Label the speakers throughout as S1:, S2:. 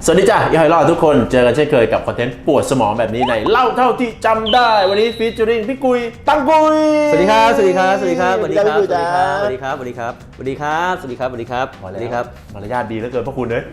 S1: สวัสดีจ้ะย่อยรอดทุกคนเจอกันเช่นเคยกับคอนเทนต์ปวดสมองแบบนี้ในเล่าเท่าที่จำได้วันนี้ฟีเจอริ่งพี่กุยตั้งกุย
S2: สวัสดีครับสวัสดีครับสวัสดีครับสวัสดีครับสวัสดีครับสวัสดีครับสวัสดีครับสวัสดีครับสวัสดีครับสวัสดีครับสวัสดีครับ
S1: มารยาทดีเหลือเกินพวกคุณเลย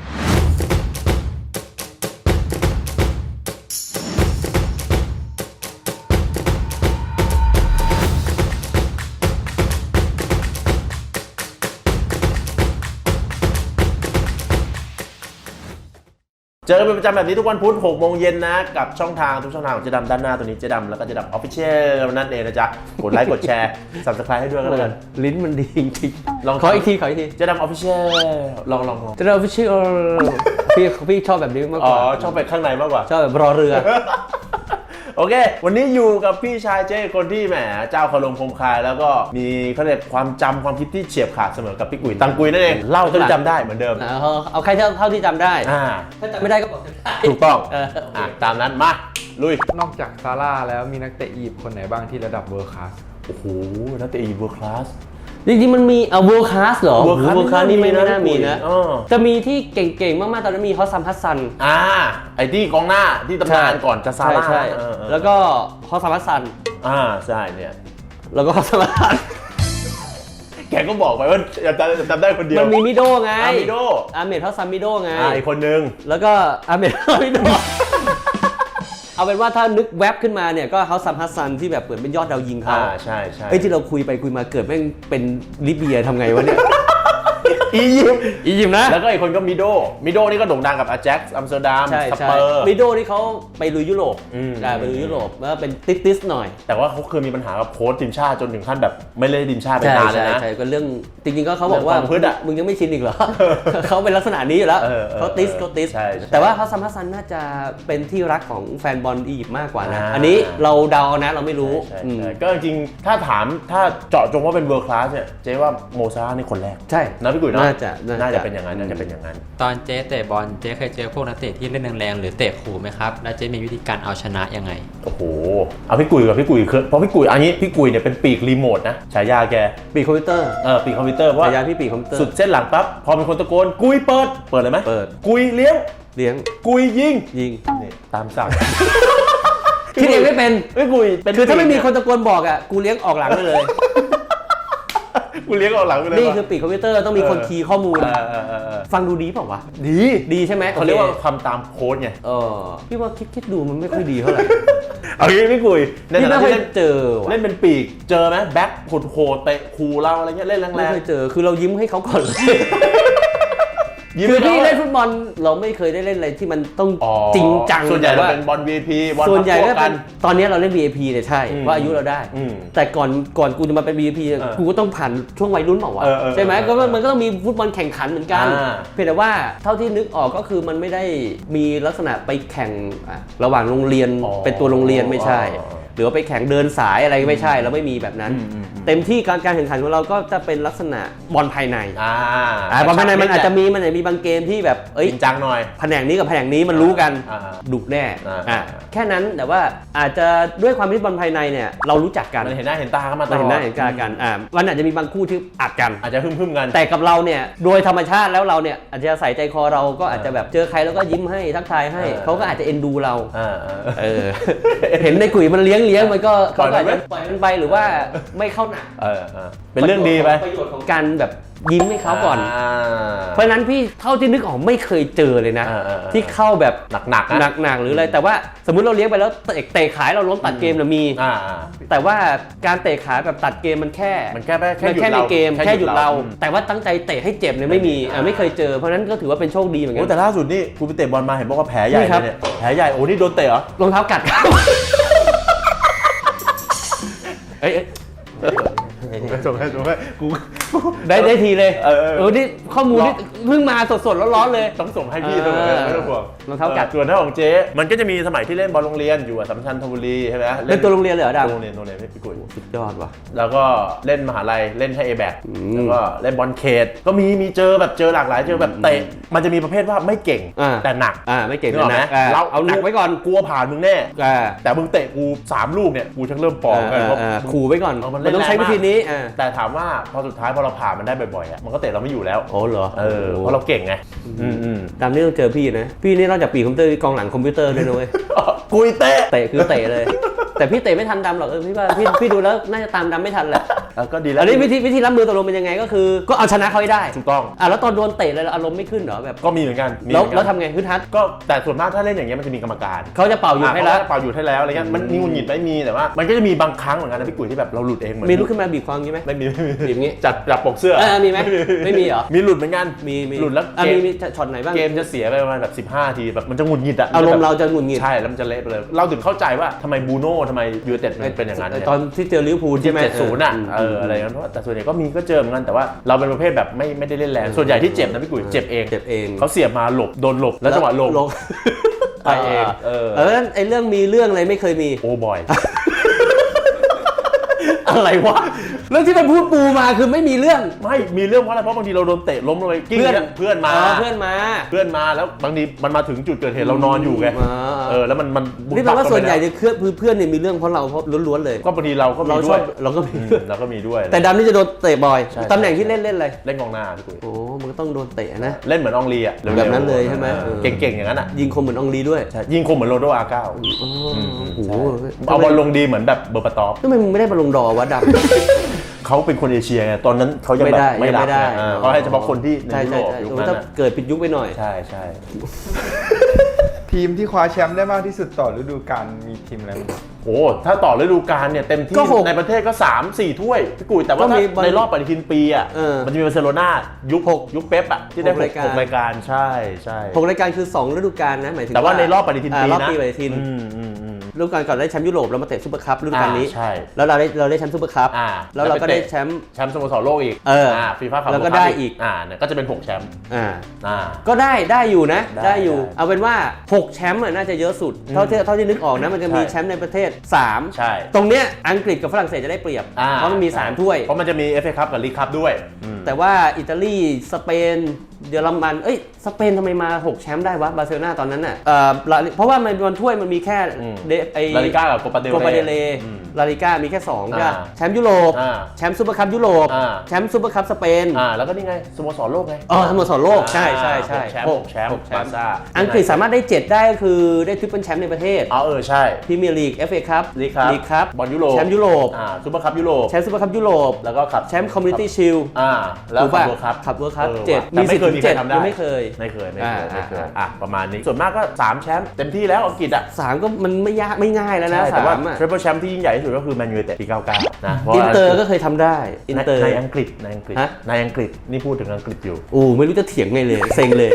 S1: เจอกันเป็นประจำแบบนี้ทุกวันพุธ6 โมงเย็นนะกับช่องทางทุกช่องทางของเจ๊ดำด้านหน้าตัวนี้เจ๊ดำแล้วก็เจ๊ดำออฟฟิเชียลนั่นเองนะจ๊ะกดไลค์กดแชร์ Subscribe ให้ด้วยก็แล้วกัน
S2: ลิ้นมันดีจริง
S1: ลอง
S2: ขออีกที
S1: เจ๊ดำออฟฟิเชียลลอง
S2: เจ๊ดำออฟฟิเชียลพี่ชอบแบบนี้มากกว่า
S1: ชอบแบบข้างในมากกว่า
S2: ชอบแบบรอเรือ
S1: โอเควันนี้อยู่กับพี่ชายเจ้คนที่แหมเจ้าคารมคมคายแล้วก็มีเขาเรียกความจำความคิดที่เฉียบขาดเสมอกับพี่กุยตังกุยนั่นเองเล่าจนจำได้เหมือนเดิม
S2: เอาใครเท่าที่จำได้ถ้าจำไม่ได้ก็บอก
S1: ถูกต้องตามนั้นมาลุย
S3: นอกจากซาร่าแล้วมีนักเตะอียิปต์คนไหนบ้างที่ระดับเวิร์คคลาส
S1: โอ้โหนักเตะอียิปต์เวิร์คคลาส
S2: จริงๆมันมีเวิร์คคลาสเหรอเวิร์คคลาสนี่ไม่น่ามีนะจะมีที่เก่งๆมากๆตอนนั้นมีฮอสซัมฮัสซัน
S1: ไอ้ที่กองหน้าที่ตำนานก่อนจะซาร่า
S2: แล้วก็ฮอสซัมฮัสซัน
S1: ใช่เนี่ย
S2: แล้วก็ฮอสซัมฮัสซัน
S1: แกก็บอกไปว่าจำได้คนเดียว
S2: มันมีมิโดไง
S1: มิโด
S2: อาเมดฮอสซัมมิโดไง
S1: อีกคนนึง
S2: แล้วก็อาเมดมิโดเอาเป็นว่าถ้านึกแว็บขึ้นมาเนี่ยก็เขาซัมฮัสซันที่แบบเหมือนเป็นยอดดาวยิงเขา
S1: ใช่
S2: ที่เราคุยไปคุยมาเกิดแม่งเป็นลิเบียทำไงวะเนี่ย
S1: อียิปต์
S2: นะ
S1: แล้วก็อีกคนก็มิโดนี่ก็โด่งดังกับอาแจ็คอัมสเตอร์ดัมสเปอร์
S2: มิโดนี่เขาไปลุยยุโรปไปลุยยุโรปแล้วเป็นติสหน่อย
S1: แต่ว่าเขาเคยมีปัญหากับโค้ชทีมชาติจนถึงขั้นแบบไม่เล่นทีมชาติไปนานเลยนะ
S2: ใช่ก็เรื่องจริงๆก็เขาบอกว่ามึงยังไม่ชินอีกเหรอเขาเป็นลักษณะนี้อยู่แล้วเขาติสแต่ว่าเขาซัมฮัสซันน่าจะเป็นที่รักของแฟนบอลอียิปต์มากกว่านะอันนี้เราเดานะเราไม่รู้
S1: ก็จริงถ้าเจาะจงว่าเป็นเวิร์คคลาสเนี่ยเจ๊ว่าโมซาร่านี่คนแรก
S2: ใช่
S1: นะพี่กุยเนาะ
S2: น่า
S1: จะเป็นอย่างนั้น
S4: ตอนเจ๊เตะบอลเจ๊เคยเจอพวกนักเตะที่เล่นแรงๆหรือเตะขู่ไหมครับแล้วเจ๊มีวิธีการเอาชนะยังไง
S1: โอ้โหเอาพี่กุยเพราะพี่กุยอันนี้พี่กุยเนี่ยเป็นปีกรีโมทนะฉายาแก
S2: ปีกคอมพิวเตอร์
S1: ปีกคอมพิวเตอร์เพราะ
S2: ฉายาพี่ปีกคอมพิวเตอร์
S1: สุดเส้นหลังปั๊บพอมีคนตะโกนกุยเปิดเลยไหม
S2: เปิด
S1: กุยเลี้ยงกุยยิงตามสั่ง
S2: คิดเองไม่เป็น
S1: ไม่กุย
S2: คือถ้าไม่มีคนตะโกนบอกอ่ะกูเลี้ยงออกหลังได้เลย
S1: กูเลี้ยงออกหลังเลย
S2: นี่คือปีกคอมพิวเตอร์ต้องมีคนคีย์ข้อมูลฟังดูดีเปล่าวะดีใช่ไหม
S1: เขาเรียกว่าทำตามโค้ดไง
S2: พี่ว่าคิดดูมันไม่ค่อยดีเท่าไหร่
S1: เอางี้พี่กุย
S2: พี่ไม่เคยเจอ
S1: เล่นเป็นปีกเจอไหมแบ็คโหดเตะคูเราอะไรเงี้ยเล่นแรงๆ
S2: ไม่เคยเจอคือเรายิ้มให้เขาก่อนคือพี่เล่นฟุตบอลเราไม่เคยได้เล่นอะไรที่มันต้องจริงจัง
S1: ส่วนใหญ่เราเป็นบอล VIP
S2: ส่วนใหญ่ก็เป็นตอนนี้เราเล่น VIP เนี่ยใช่ว่าอายุเราได้แต่ก่อนกูจะมาเป็น VIP กูก็ต้องผ่านช่วงวัยรุ่นเปล่าวะใช่ไหมก็มันก็ต้องมีฟุตบอลแข่งขันเหมือนกันเพียงแต่ว่าเท่าที่นึกออกก็คือมันไม่ได้มีลักษณะไปแข่งระหว่างโรงเรียนเป็นตัวโรงเรียนไม่ใช่หรือว่าไปแข่งเดินสายอะไรไม่ใช่เราไม่มีแบบนั้นเต็มที่การแข่งขันของเราก็จะเป็นลักษณะบอลภายในบอลภายในมันอาจจะมีบางเกมที่แบบ
S1: จริงจังหน่อย
S2: แผนกนี้กับแผนกนี้มันรู้กันดุแน่แค่นั้นแต่ว่าอาจจะด้วยความที่บอลภายในเนี่ยเรารู้จักกัน
S1: เห็นหน้าเห็นตากันมาตลอด
S2: เห็นหน้าเห็นตากันมันอาจจะมีบางคู่ที่อัดกัน
S1: อาจจะพึ่มกัน
S2: แต่กับเราเนี่ยโดยธรรมชาติแล้วเราเนี่ยอาจจะใส่ใจคอเราก็อาจจะแบบเจอใครแล้วก็ยิ้มให้ทักทายให้เขาก็อาจจะเอ็นดูเราเห็นในกุ๋ยมันเลี้ยงมันก็เขาอาจจะปล่อยมันไปหรือว่าไม่เข้าหนัก
S1: เป็นเรื่องดีไป
S2: ประโยชน์ของการแบบยิ้มให้เขาก่อนเพราะนั้นพี่เท่าที่นึกออกไม่เคยเจอเลยนะที่เข้าแบบ
S1: หนัก
S2: หรืออะไรแต่ว่าสมมุติเราเลี้ยงไปแล้วเตะขายเราล้มตัดเกมนะมีแต่ว่าการเตะขายแบบตัดเกมมันแค่ในเกมแค่หยุดเราแต่ว่าตั้งใจเตะให้เจ็บเนี่ยไม่มีไม่เคยเจอเพราะนั้นก็ถือว่าเป็นโชคดีเหมือนกัน
S1: แต่ล่าสุดนี่กูไปเตะบอลมาเห็นบอกว่าแผลใหญ่เนี่ยแผลใหญ่โอ้นี่โดนเตะเหรอ
S2: รองเท้ากัด
S1: ส่งให้กู
S2: ได้ทีเลยนี่ข้อมูลนี่เพิ่งมาสดร้อนๆเลย
S1: ต้องส่งให้พี่ด้วยไม่ต้องห่วง
S2: รองเท้ากัด
S1: ส่วนเท่าของเจ๊มันก็จะมีสมัยที่เล่นบอลโรงเรียนอยู่สัมชัญธนบุรีใช่ไหม
S2: เล่นตัวโรงเรียนเลยเหรอดาว
S1: โรงเรียนพี่กุย
S2: สุดยอดว่ะ
S1: แล้วก็เล่นมหาลัยเล่นให้ A-back แล้วก็เล่นบอลเขตก็มีเจอหลากหลายเจอแบบเตะมันจะมีประเภทว่าไม่เก่งแต่หนัก
S2: ไม่เก่งแต่หนักเรา
S1: เอา
S2: หนักไว้ก่อน
S1: กลัวผ่านมึงแน่แต่มึงเตะกู3 ลูกเนี่ยกูชักเริ่มปองกัน
S2: ขู่ไว้ก่อนมันต้องใช้วิธีนี้
S1: แต่ถามว่าพอสุดท้ายพอเราผ่านมันได้บ่อยๆอ่ะมันก็เตะเราไม่อยู่แล้ว
S2: โอ้เหรอ
S1: เพราะเราเก่งไง
S2: ตามนี้ต้องเจอพี่นะพี่นี่นอกจากปีคอมพิวเตอร์กองหลังคอมพิวเตอร์ด้วยนะเว้ย
S1: กุยเตะ
S2: เตะคือเตะเลย แต่พี่เตะไม่ทันดำหรอกพี่ว่าพี่ดูแล้วน่าจะตามดำไม่ทันแหละ
S1: ก็ดีแล้ว
S2: อันนี้วิธีรับมือตกลงเป็นยังไงก็คือก็เอาชนะเขาให้ได้
S1: ถูกต้อง
S2: แล้วตอนโดนเตะเลยอารมณ์ไม่ขึ้นเหรอแบบ
S1: ก็มีเหมือนกัน
S2: แล้วทำไงฮึดฮัด
S1: ก็แต่ส่วนมากถ้าเล่นอย่างเงี้ยมันจะมีกรรมการ
S2: เขาจะเป่าหยุดให้แล้ว
S1: เป่าหยุดให้แล้วอะไรเงี้ยมันมีหงุดหงิดไม่มีแต่ว่ามันก็จะมีบางครั้งเหมือนกันนะพี่กุ๋ยที่แบบเราหลุดเองเหมือน
S2: มีลุกขึ้นมาบีบคออย่างงี้ไหม
S1: ไม่มี
S2: บีบงี้
S1: จับปกเสื้อ
S2: มีไหมไม่มีเหรอ
S1: มีหลุดเหมือนกัน
S2: มี
S1: หลุดแล้ว
S2: มีช็อตไหนบ้าง
S1: เกมจะเสียไปประมาณแบบ15 ทีแบบมันจะหงุดหงิดอะ
S2: อารมณ์เราจะหงุดหงิด
S1: ใช่แล้วมันจะเละไปเลยเราถึงเข้าใจว่าทำไมบูโน่ทำไมยูไนเต็ดมันเป็นอย่างนั้น
S2: ตอนที่เจอลิเวอร์พูลใช่ไหม
S1: 70อ่ะอะไรอย่างนั้นเพราะแต่ส่วนใหญ่ก็มีก็เจอเหมือนกันแต่ว่าเราเป็นประเภทแบบไม่ได้เล่นแรงส่วนใหญ่ที่เจ็บนะพี่กุ๋ยเจ็บเองเขาเสียบมาหลบโดนหลบแล้วจังหวะหลบไปเอง
S2: ไอ้เรื่องมีเรื่องอะไรไม่เคยมี
S1: โอ้บอย
S2: อะไรวะเรื่องที่มันพูดปูมาคือไม่มีเรื่อง
S1: ไม่มีเรื่องเพราะอะไรเพราะบางทีเราโดนเตะล้มลงไปกิ้งเพื่อนมาแล้วบางทีมันมาถึงจุดเกิดเหตุเรานอนอยู่ไงแล้วมัน
S2: นี่แปลว่าส่วนใหญ่เนี่ยเพื่อนเนี่ยมีเรื่องเพราะเราล้วนๆเลย
S1: ก็บางทีเราก็มีด้วย
S2: เรา
S1: ก็มีด้วย
S2: แต่ดำนี่จะโดนเตะบ่อยตำแหน่งที่เล่นอะไร
S1: เล่นกองหน้าพี่กุ๋ย
S2: โอ้มันก็ต้องโดนเตะนะ
S1: เล่นเหมือนอองลีอ่ะ
S2: แบบนั้นเลยใช่ไหม
S1: เก่งๆอย่างนั้นอ่ะ
S2: ยิงคมเหมือนอองลีด้วย
S1: ยิงคมเหมือนโรนัลโดอาร์9เอาบอลลงดีเหมือนแบบเบอร์ปาตอฟ
S2: ทำไมมึงไม่ได้บอลลงดอวะดำ
S1: เขาเป็นคนเอเชียไงตอนนั้นเขายังแบบไม่ได้เขาให้เฉพาะคนที่ในยุโรปยุคนั้น
S2: เกิดผิดยุคไปหน่อย
S1: ใช่
S3: ทีมที่คว้าแชมป์ได้มากที่สุดต่อฤดูกาลมีทีมอะไรบ้าง
S1: โอ้ถ้าต่อฤดูกาลเนี่ยเต็มที่ในประเทศก็ 3-4 ถ้วยพี่กุ๋ยแต่ว่าในรอบปฏิทินปีอ่ะมันจะมีบาร์เซโลนายุคเป๊ปอ่ะที่ได้6 รายการใช่
S2: 6 รายการคือ2 ฤดูกาลนะหมายถึง
S1: แต่ว่าในรอบปฏิทินปีนะ
S2: รอบปีปฏิทินฤดูกาลก่อนได้แชมป์ยุโรปแล้วมาเตะซุปเปอร์คัพฤดูกาลนี้
S1: ใช่
S2: แล้วเราได้แชมป์ซุปเปอร์คัพแล้วเราก็ได้แชมป์
S1: สโมสรโลกอีกฟีฟ่าคัพ
S2: แล้วก็ได้อีก
S1: เนี่ยก็จะเป็น6 แชมป์
S2: ก็ได้อยู่นะได้อยู่เอาเป็นว่า6 แชมป์น่าจะเยอะสุดเท่าที่นึกออกนะมันจะมีแชมป์ในประเทศ3
S1: ใช่
S2: ตรงเนี้ยอังกฤษกับฝรั่งเศสจะได้เปรียบเพราะมันมี3 ถ้วย
S1: เพราะมันจะมี FA คัพกับลีกคัพด้วย
S2: แต่ว่าอิตาลีสเปนเยอรมันสเปนทำไมมา6 แชมป์ได้วะบาร์เซโลนาตอนนั้นน่ะเพราะว่ามันถ้วยมันมีแค่
S1: ลาลิก้ากับโคปาเด
S2: เลลาลิก้ามีแค่2ใช่แชมป์ยุโรปแชมป์ซุปเปอร์คัพยุโรปแชมป์ซุปเปอร์คัพสเปน
S1: แล้วก็นี่ไงสโมสรโลกไง
S2: สโมสรโลกใช่
S1: แชมป์บาร์ซ่า
S2: อังกฤษสามารถได้7ได้ก็คือได้ทริปเปิลแชมป์ในประเทศ
S1: ใช่
S2: พรีเมียร์ลีก FA คัพ
S1: ลีกคัพบอลยุโรป
S2: แชมป์ยุโรป
S1: ซุปเปอร์คัพยุโรป
S2: แชมป์ซุปเปอร์คัพยุโรป
S1: แล้วก็
S2: แชมป์คอมมูนิตี้ชิลด์
S1: แล้วขับเวิร์
S2: คคัพ7มี10 ถึง 7ยังไม่เคย
S1: ประมาณนี้ส่วนมากก็3 แชมป์เต็มที่แล้วอังกฤษ
S2: 3ก็มันไม่ง่ายแล้วนะ
S1: แต่ว่าทริปเปิลแชมป์ที่ยิ่งใหญ่ที่สุดก็คือแมนยูไนเต็ดปี99นะ
S2: อินเตอร์ก็เคยทำได้อินเตอร์
S1: ในอังกฤษนี่พูดถึงอังกฤษอยู่
S2: ไม่รู้จะเถียงไงเลยเซ็งเลย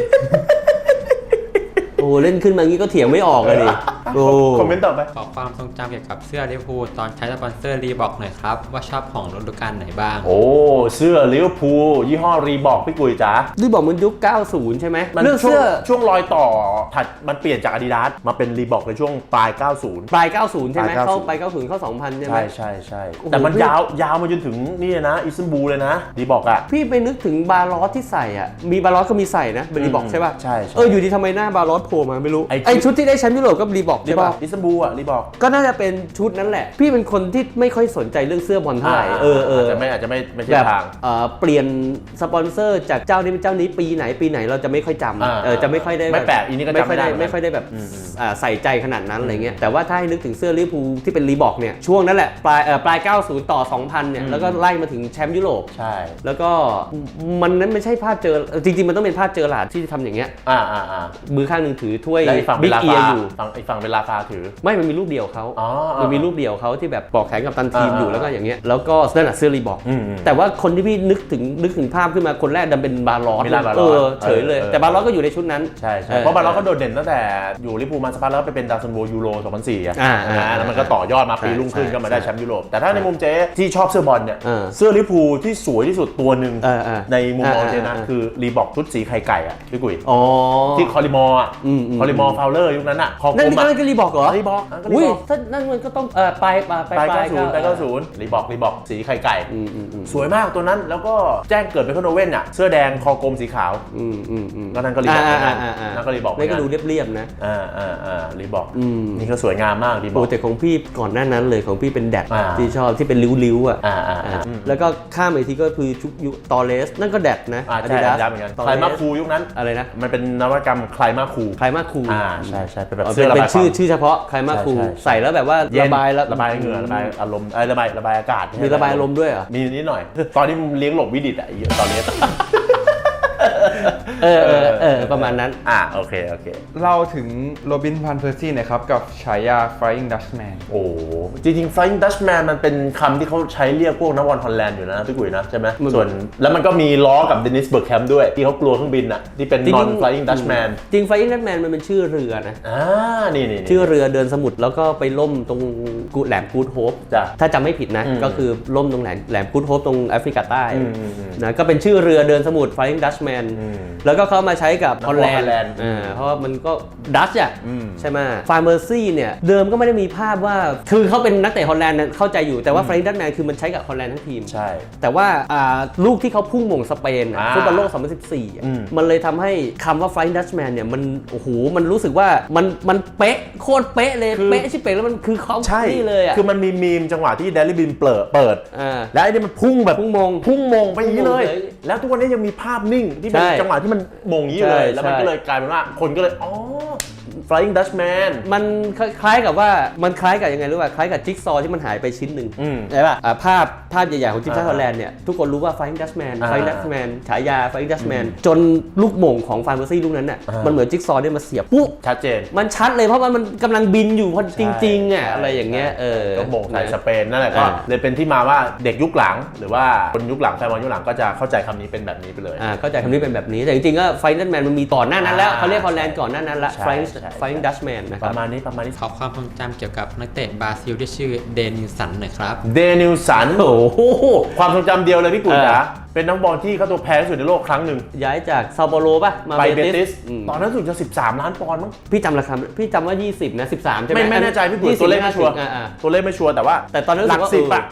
S2: เล่นขึ้นมางี้ก็เถียงไม่ออกเลยดิ
S1: คอมเมนต์ต่อไป
S4: ขอความทรงจำเกี่ยวกับเสื้อลิเวอร์พูลตอนใช้สปอนเซอร์รีบอกหน่อยครับว่าชอบของฤดูกาลไหนบ้าง
S1: เสื้อลิเวอร์พูลยี่ห้อรีบอกพี่กุยจ๋า
S2: รีบอกมันยุค90ใช่ไหม
S1: เรื่องเสื้อช่วงรอยต่อถัดมันเปลี่ยนจาก Adidas มาเป็นรีบอกในช่วงปลาย90
S2: ใช่ไหมเข้าไป90เข้า2000ใช่ไหม
S1: ใช่แต่มันยาวมาจนถึงนี่นะอิสตันบูลเลยนะรีบอกอ่ะ
S2: พี่ไปนึกถึงบาร์ลอสที่ใส่อ่ะมีบาร์ลอสก็มีใส่นะเป็นรีบอกใช่ป่ะ
S1: ใช่
S2: อยู่ดีทำไมหน้าบาร์ลอสโผล่มาไม่รู้ไอชุดที่ได้แชมป์ยุโรปก็รีบอกใช่ป่ะ
S1: อิสตันบูลรีบอก
S2: ก็น่าจะเป็นชุดนั้นแหละพี่เป็นคนที่ไม่ค่อยสนใจเรื่องเสื้อบอลเท่าไหร่
S1: อาจจะไม่ใช่ทาง
S2: เปลี่ยนสปอนเซอร์จากเจ้านี้เป็นเจ้านี้ปีไหนเราจะไม่ค่อยจำจะไม่ค่อยได้
S1: ไม่แปลกอีนี้ก็จำไม่
S2: ค่อยได้แบบใส่ใจขนาดนั้นอะไรเงี้ยแต่ว่าถ้าให้นึกถึงเสื้อลิเวอร์พูลที่เป็นรีบอกเนี่ยช่วงนั้นแหละปลาย90ต่อ2000เนี่ยแล้วก็ไล่มาถึงแชมป์ยุโรป
S1: ใช่
S2: แล้วก็มันนั้นไม่ใช่ภาพเจอจริงๆมันต้องเป็นภาพเจอหลาดที่ทำอย่างเงี้ยมือข้างหนึ่งถือถ้วย
S1: บิ๊กเอียอยู่ฝั่งเป็นราคาถือ
S2: ไม่มันมีรูปเดียวเขามันมีรูปเดียวเขาที่แบบปอกแขนกับตันทีมอยู่แล้วก็อย่างเงี้ยแล้วก็นั่นแหละเสื้อรีบอกแต่ว่าคนที่พี่นึกถึงภาพขึ้นมาคนแรกดันเป็นบาร์ลอสเฉยเลยแต่บาร์ลอสก็อยู่ในชุดนั้น
S1: ใช่เพราะบาร์ลอสเขาโดดเด่นตั้งแต่อยู่ลิเวอร์พูลมาสักพักแล้วไปเป็นดาวซันโวยูโร2004แล้วมันก็ต่อยอดมาปีรุ่งขึ้นก็มาได้แชมป์ยุโรปแต่ถ้าในมุมเจ๊ที่ชอบเสื้อบอลเนี่ยเสื้อลิเวอร์พูลที่สวยที่สุดตัวหนึ่งในมุมมองเจ๊นะคือรีบอกชุดสีไข่ไก่อ่ะพี่กุ้ยที่คอริมอร์ฟาวเลอร์ยุคนั้นอ่ะ
S2: นั่นก็รีบอกเหรอ
S1: รีบอกก็รี
S2: อุ้ย
S1: บอก
S2: ถ้านั่นมันก็ต้องไป
S1: 90รีบอกสีไข่ไก่สวยมากตัวนั้นแล้วก็แจ้งเกิดเป็นคอนโดเว่นอ่ะเสื้อแดงคอกลมสีขาวก็นั่นก็รีบอกนั่นก็รีบอก
S2: นี่ก็ดูเรียบๆนะ
S1: รีบอกนี่ก็สวยงามมากรีบอก
S2: โปรเจกต์ของพี่ก่อนหน้านั้นเลยของพี่เป็นแดดที่ชอบที่เป็นริ้วๆอ่ะแล้วก็ข้ามไปทีก็คือชุกยุตอเลสนั่นก็แดดนะ
S1: ใช่ย้ำเหมือนกันไคลมาคูยุคนั้น
S2: อะไรนะ
S1: มันเป็นนวัตกรรมไคลมาคูใช่เป็นแบบเสื้อระบายความ
S2: ชื่อเฉพาะไคลมาคูใส่แล้วแบบว่าระบาย
S1: เหงื่อระบายอารมณ์ระบายอากาศ
S2: มีระบายอารมณ์ด้วยเหรอ
S1: มีนิดหน่อยตอนที่เลี้ยงหลบวิดิตอ่ะตอนนี้
S2: ประมาณนั้น
S1: โอเค
S3: เราถึงโรบิน van Persie นะครับกับฉายา Flying Dutchman
S1: โอ้จริงๆ Flying Dutchman มันเป็นคำที่เขาใช้เรียกพวกนักบอลฮอลแลนด์อยู่นะพี่กุ้ยนะใช่ไหมส่วนแล้วมันก็มีล้อกับเดนิสเบิร์กแคมป์ด้วยที่เขากลัวเครื่องบินอ่ะที่เป็น non Flying Dutchman
S2: จริง Flying Dutchman มันเป็นชื่อเรือนะ
S1: นี่
S2: ชื่อเรือเดินสมุทรแล้วก็ไปล่มตรงแหลมกูดโฮปถ้าจำไม่ผิดนะก็คือล่มตรงแหลมกูดโฮปตรงแอฟริกาใต้นะก็เป็นชื่อเรือเดินสมุทร Flying Dutchman แล้วก็เขามาใช้กับฮอลแลนด์เพราะมันก็ดัชอ่ะใช่ไหมฟาร์เมอร์ซี่เนี่ยเดิมก็ไม่ได้มีภาพว่าคือเขาเป็นนักเตะฮอลแลนด์เข้าใจอยู่แต่ว่า Flying Dutchman คือมันใช้กับฮอลแลนด์ทั้งทีม
S1: ใช่
S2: แต่ว่าลูกที่เขาพุ่งหม่งสเปนฟุตบอลโลก 2014มันเลยทำให้คำว่า Flying Dutchman เนี่ยมันโอ้โหมันรู้สึกว่ามันเป๊ะโคตรเป๊ะเลยเป๊ะชิบเป๊ะแล้วมันคือเขาที่เลยอ่ะ
S1: คือมันมีมีมจังหวะที่เดลิบินเปิดแล้วไอ้นี่มันพุ่งแบบพุ่งมงไปอย่างนี้เลยแล้วทุกวันนี้ยังมีภาพนิ่งที่เป็นจังหวะที่มันมงนี้เลยแล้วมันก็เลยกลายเป็นว่าคนก็เลยFlying Dutchman
S2: มันคล้ายกับว่ามันคล้ายกับยังไงรู้ป่ะคล้ายกับจิ๊กซอว์ที่มันหายไปชิ้นหนึ่งใช่ป่ะภาพใหญ่ๆของทีมชาติฮอลแลนด์เนี่ยทุกคนรู้ว่า Flying Dutchman ฉายา Flying Dutchman จนลูกหม่งของฟานเบอร์ซี่ลูกนั้นน่ะมันเหมือนจิ๊กซอว์เนี่ยมาเสียบปุ๊บ
S1: ชัดเจน
S2: มันชัดเลยเพราะว่ามันกำลังบินอยู่พอจริงๆอ่ะอะไรอย่างเงี้ย
S1: ก็หม่งใส่สเปนนั่นแหละก็เลยเป็นที่มาว่าเด็กยุคหลังหรือว่าคนยุคหลังแฟนบอลยุคหลังก็จะเข้าใจคำนี้เป็นแบบนี้ไปเลย
S2: เข้าใจคำนี้เป็นแบบนี้แต่จริงๆก็ Flying Dutchman มันมีก่อนหน้านั้นแล้วเขาเรียกฮอลแลนด์ก่อนหน้านั้นละ Flying Dutchman
S1: ประมาณนี้
S4: ขอความทรงจำเกี่ยวกับนักเตะบราซิลที่ชื่อเดนิลสันหน่อยครับ
S1: เดนิลสันโอ้โหความทรงจำเดียวเลยพี่กุ๋ยจ๋าเป็นนักบอลที่ค่าตัวแพงที่สุดในโลกครั้งหนึ่ง
S2: ย้ายจากซาโปโรป่ะมา
S1: ไปเบติสตอนนั้นสุดจะ13 ล้านปอนด์มั้ง
S2: พี่จำราคาพี่จำว่า20นะ13ใช่ไหม
S1: ไม่แน่ใจพี่กุ๋ยตัวเลขไม่ชัวร์แต่ตอนนั้นหลัก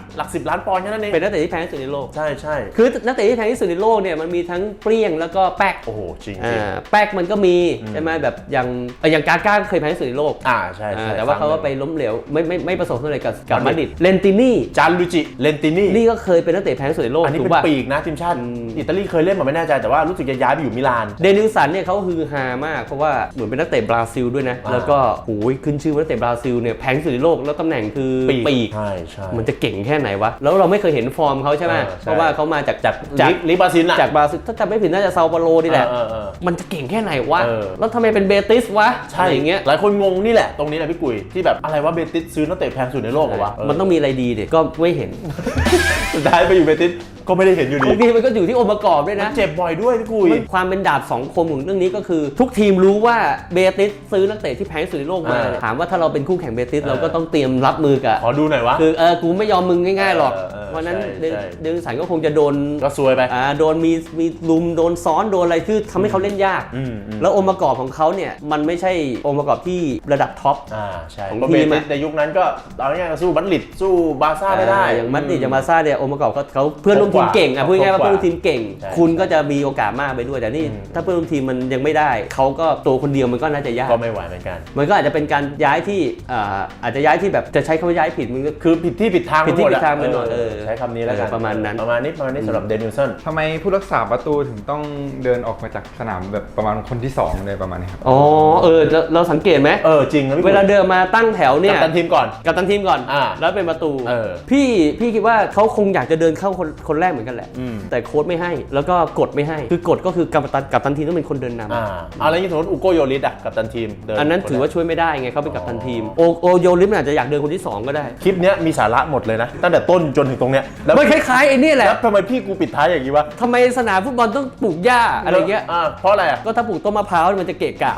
S1: 10 ล้านปอนด์แค่นั้นเอง
S2: เป็นนักเตะที่แพงที่สุดในโลก
S1: ใช่
S2: คือนักเตะที่แพงที่สุดในโลกเนี่ยมันมีทั้งเปรี้ยงแล้วก็แป๊ก
S1: โอ้โหจริง
S2: แป๊กมันก็มีใช่ไหมแบบอย่างกาก้าเคยแพงที่สุดในโลก
S1: ใช่
S2: แต่ว่าเขาก็ไปล้มเหลวไม่ประสบความสำเร็จกับมาดริดเลนตินี่
S1: จานลูจิเลนตินี่
S2: นี่ก็เคยเป็นนักเตะแพงที่สุดในโลก
S1: อันนี้เป็นปีกนะทีมชาติอิตาลีเคยเล่นมาไม่แน่ใจแต่ว่ารู้สึกจะย้ายไปอยู่มิลาน
S2: เดนิลสันเนี่ยเขาฮือฮามากเพราะว่าเหมือนเป็นนักเตะบราซิลด้วยนะแล้วก็โอ้ยขึ้นชื่อว่านักเตะบราซิลเนี่ยแพงที่สุดในโลกแล้วตำแหน่งคือปีก
S1: ใช่
S2: มันจะเก่งแค่ไหนวะแล้วเราไม่เคยเห็นฟอร์มเขาใช่ไหมเพราะว่าเขามาจาก
S1: ลิบราซิล
S2: จากบราซิลถ้าจำไม่ผิดน่าจะซาโปโรนี่แหละมันจะเก่งแค่ไหนวะแล้วทำไมเป็นเบติสวะ
S1: ใช่อย่างเงี้ยหลายคนงงนี่แหละตรงนี้แหละพี่กุยที่แบบอะไรวะเบติสซื้อนักเตะแพงสุดในโลกเหรอวะ
S2: มันต้องมีอะไรดีดิก็ไม่เห็น
S1: สุดท้ายไปอยู่เบติสก็ไม่ได้เห็นอยู่ดี
S2: บางทีมันก็อยู่ที่องค์ประกอบด้วยนะ
S1: เจ็บบ่อยด้วยพี่กุย
S2: ความเป็นดาบสองคมของเรื่องนี้ก็คือทุกทีมรู้ว่าเบติสซื้อนักเตะที่แพงที่สุดในโลกมาถามว่าถ้าเราเป็นคู่แข่งเบติสเราก็ต้องเตรียมรับมือกับ
S1: ขอดูหน่อยวะ
S2: คือกูไม่ยอมมึงง่ายๆหรอกเพราะนั้นเดนิลสันก็คงจะโดน
S1: ก็ซวยไป
S2: โดนมีลุมโดนซ้อนโดนอะไรที่ทำให้เขาเล่นยากแล้วองค์ประกอบของเขาเนี่ยมันไม่ใช่องค์ประกอบที่ระดับท็อป
S1: ใช่ของทีมในยุคนั้นก็เอาง่ายๆสู้บัตลิดสู้บาร์ซ่าไม่ได้
S2: อย่างมัดริดอย่างบาร์ซ่าเนี่ยองค์ประกอบเขาเพื่อนร่วมทีมเก่งพูดง่ายๆว่าเพื่อนร่วมทีมเก่งคุณก็จะมีโอกาสมากไปด้วยแต่นี่ถ้าเพื่อนร่วมทีมมันยังไม่ได้เขาก็ตัวคนเดียวมันก็น่าจะยาก
S1: ก็ไม่ไหวเหมือนกัน
S2: มันก็อาจจะเป็นการย้ายที่อาจจะย้ายที่แบบจะใช้คำว่าย้ายผิดมันก็
S1: คือผิดที่ผิดทาง
S2: ไปหมด
S1: ใช้คำนี้แล้วกัน
S2: ประมาณนั้น
S1: สำหรับเดนิลสัน
S3: ทำไมผู้รักษาประตูถึงต้องเดินออกมาจากสนามแบบประมาณคนที่2เลยประมาณนี้ครับ
S2: เราสังเกตไหม
S1: จริง
S2: เวลาเดินมาตั้งแถวเนี่ย
S1: กัปตันทีมก่อน
S2: แล้วเป็นประตูพี่คิดว่าเขาคงอยากจะเดินเข้าคนแรกเหมือนกันแหละแต่โค้ชไม่ให้แล้วก็กฎไม่ให้คือกฎก็คือกัปตันทีมต้องเป็นคนเดินนำ
S1: อะไรอย่างสมมติอุโกโยริสกัปตันทีม
S2: อันนั้นถือว่าช่วยไม่ได้ไงเขาเป็นกัปตันทีมโอโยริสอาจจะอยากเดินคนที่2ก็ได้
S1: คลิปนี้มีสาระหมดเลยนะตั้งแต่ต้นจนถึงตรงเนี้ย
S2: แล้วมันคล้ายๆไอ้นี่แหละ
S1: แล้วทำไมพี่กูปิดท้ายอย่างนี้วะ
S2: ทำไมสนามฟุตบอลต้องปลูกหญ้าอะไรเงี้ย
S1: เพราะอะไร
S2: ก็ถ้าปลูกต้นมะพร้าวมันจะเกะกะ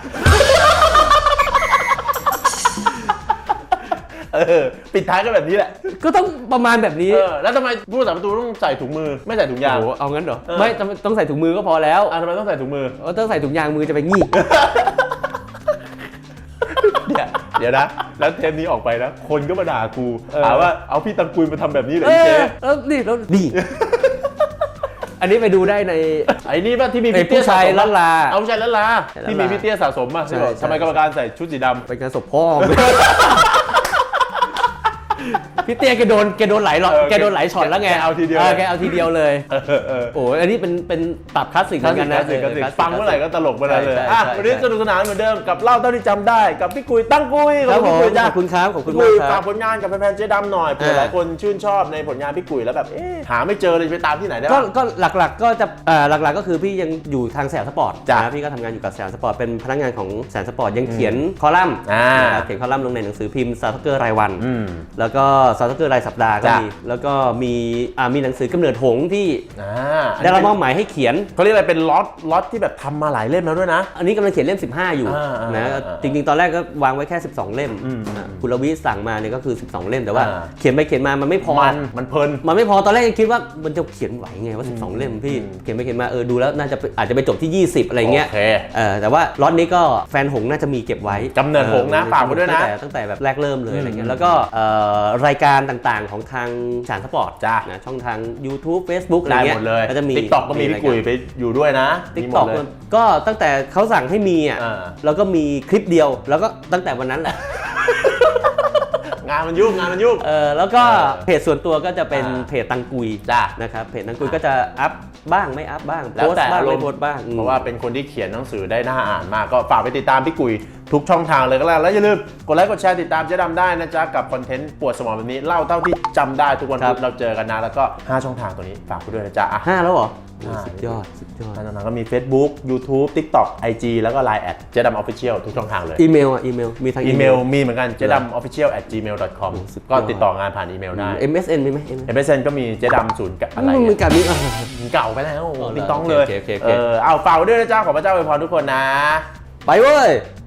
S1: ปิดท้ายก็แบบนี้แหละ
S2: ก็ต้องประมาณแบบนี้
S1: แล้วทำไมผู้รักษาประตูต้องใส่ถุงมือไม่ใส่ถุงยาง
S2: เอางั้นเหรอไม่ต้องใส่ถุงมือก็พอแล้ว
S1: ทำไมต้องใส่ถุงมือ
S2: ต้องใส่ถุงยางมือจะไปงี่
S1: เดี๋ยวนะแล้วเทปนี้ออกไปนะคนก็มาด่ากูถามว่าเอาพี่ตังกุยมาทำแบบนี้เหรอเจ๊
S2: แล้วนี่ อันนี้ไปดูได้ใน
S1: ไอ้นี่ป่ะที่มี
S2: ไอ้
S1: พี่เตี้ย
S2: ผู้ชาย
S1: สะสม
S2: ล้านลา
S1: เอาผู้ชายล้านลาที่มีพี่เตี้ยสะสมป่ะ
S2: ใช่
S1: ทำไมกรรมการใส่ชุดสีดำ
S2: ไปงานศพพ่อ พี่เตี้ยแกโดนหลายหรอกแกโดนหลายช็อตแล้วไง
S1: แกเอาทีเดียว
S2: แกเอาทีเดียวเลยโอ้อันนี้เป็นตับคลาสสิกเหมือนกันนะ
S1: คลาสสิกฟังเมื่อไหร่ก็ตลกเมื่อนั้นเลย
S2: ใช่
S1: อ่ะ
S2: ใช่
S1: วันนี้สนุกสนานเหมือนเดิมกับเล่าเท่าที่จำได้กับพี่กุยตั้งกุย
S2: ครับผม
S1: พี่กุยจ้ะ
S2: ขอบคุณครับขอบคุณ
S1: พี่กุย
S2: มากครับ
S1: ฝากผลงานกับแฟนๆเจ๊ดำหน่อยเผื่อหลายคนชื่นชอบในผลงานพี่กุยแล้วแบบหาไม่เจอเลยไปตามที่ไหนได้บ้าง
S2: ก็หลักๆก็จะหลักๆก็คือพี่ยังอยู่ทางแสนสปอร์ต
S1: จ้ะ
S2: นะพี่ก็ทำงานอยู่กับแสนสปอร์ตเป็นพนักงานของแสนสปอร์ตยังเขียนคอลัมน์ นะครับเขียนคอลัมน์ลงในหนังสือพิมพ์ซาวด์เกอร์รายวัน แล้วก็ซาวด์เกอร์รายสัปดาห์ก็
S1: จ้ะ
S2: มีแล้วก็มีหนังสือกำเนิดหงส์ที่
S1: อัน
S2: ได้
S1: นี้
S2: รับมอบหมายให้เขียน
S1: เขาเรียกอะไรเป็นล็อตที่แบบทำมาหลายเล่มแล้วด้วยนะ
S2: อันนี้กำลังเขียนเล่ม 15 อยู่
S1: นะ
S2: จริงๆ ตอนแรกก็วางไว้แค่ 12 เล่มคุณรวิสั่งมาเนี่ยก็คือ 12 เล่มแต่ว่าเขียนไปเขียนมามันไม่พอ
S1: มันเพลิน
S2: มันไม่พอตอนแรกยังคิดว่ามันจะเขียนไหวไงว่า 12 เล่มพี่เขียนไปเขียนมาดูแล้วน่าจะอาจจะไปจบที่ 20 อะไรเงี้ย
S1: โอเค
S2: แต่ว่าล็อตนี้ก็แฟนหงส์น่าจะมีเก็บไว้
S1: กำเนิดหงส์นะฝากไว้ด้วยนะ
S2: ตั้งแต่แบบแรกเริ่มเลยอะไรเงี้ยแล้วก็รายการต่างๆของทางฉานสปอร์ต
S1: จ้ะ
S2: นะช่องทาง YouTube Facebook อะไร
S1: ได้
S2: เงี้
S1: ห
S2: ย
S1: มดเลย
S2: ก็จะมี
S1: TikTok ก็มีพี่กุยไปอยู่ด้วยนะ
S2: ติ๊ก
S1: มีหม
S2: ต็อ
S1: ด
S2: ก
S1: เลย
S2: ก็ตั้งแต่เขาสั่งให้มีแล้วก็มีคลิปเดียวแล้วก็ตั้งแต่วันนั้นแหละ
S1: งานมันยุ่ง
S2: แล้วก็เพจส่วนตัวก็จะเป็นเพจตังกุย
S1: จ้ะ
S2: นะครับเพจตังกุยก็จะอัพบ้างไม่อัพบ้าง
S1: แล้ว
S2: โพส
S1: แต่
S2: ต์บ้าง
S1: อารม
S2: ไม่
S1: ณ์
S2: โพสต์บ้าง
S1: เพราะว่าเป็นคนที่เขียนหนังสือได้น่าอ่านมากก็ฝากไปติดตามพี่กุยทุกช่องทางเลยก็แล้วอย่าลืมกดไลค์กดแชร์ติดตามเจ๊ดำได้นะจ๊ะกับคอนเทนต์ปวดสมองแบบนี้เล่าเท่าที่จำได้ทุกวันพุธเราเจอกันนะแล้วก็5ช่องทางตัวนี้ฝากคุณด้วยนะจ๊ะอ่ะ
S2: 5 แล้วเหรอ
S1: ห้า
S2: สุดยอด
S1: 5ช่องทางก็มี Facebook YouTube TikTok IG แล้วก็ Line เจ๊ดำ Official ทุกช่องทางเลย
S2: อีเมลมีทาง
S1: อีเมลมีเหมือนกันเจ๊ดำ official@gmail.com
S2: สุดยอด
S1: ก็ติดต่องานผ่านอีเมลได้
S2: MSN มีไหม
S1: MSN ก็มีเจ๊ดำ0อะไร
S2: มีการมี
S1: เก่าไปแล้ว
S2: อ๋อเหรอ
S1: ติ๊งต้องเลย
S2: โอเค
S1: เอาฝากไว้ด้วยนะจ๊ะขอพระเจ้าอวยพรทุกคนนะ
S2: ไปเว้ย